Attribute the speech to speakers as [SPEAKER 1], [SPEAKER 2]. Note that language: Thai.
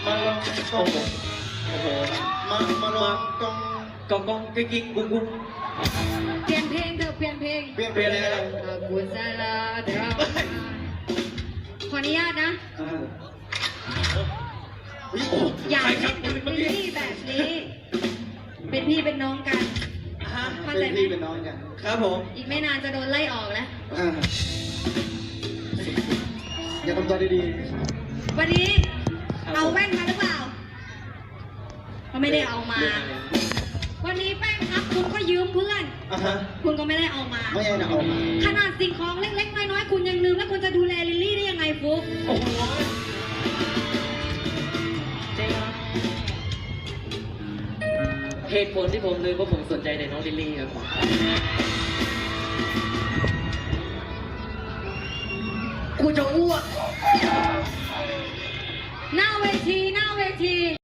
[SPEAKER 1] มาลองกองโอ้โหมาลองกองกิ๊กกุ๊กกุ๊ก
[SPEAKER 2] เปลี่ยนเพลงเถอะเปลี่ยนเพลง
[SPEAKER 1] เปลี่ยนอะไรกัน
[SPEAKER 2] กุศลาเดี๋ยวขออนุญาตนะ อย่าเล่นกับเป็นพี่แบบนี้ เป็นพี่เป็นน้องกันเข้าใจไหม
[SPEAKER 1] เป็นน้องกันครับผม
[SPEAKER 2] อีกไม่นานจะโดนไล่ออกแล้ว
[SPEAKER 1] อย่าทำตัวดี
[SPEAKER 2] วันนี้เอาแว่นมาหรือเปล่าเขาไม่ได้เอามา วันนี้แป้งครับคุณก็ยืมเพื่อน คุณก็ไม่ได้เอามา
[SPEAKER 1] ไม่ได้เอามา
[SPEAKER 2] ขนาดสิ่งของเล็กๆน้อยๆคุณยังลืมแล้วคุณจะดูแลลิลลี่ได้ยังไงฟุ๊ก
[SPEAKER 1] โอ้โหเหตุผลที่ผมลืมเพราะผมสนใจในน้องลิลลี่ครับกูจะอ้วก
[SPEAKER 2] หน้าเวที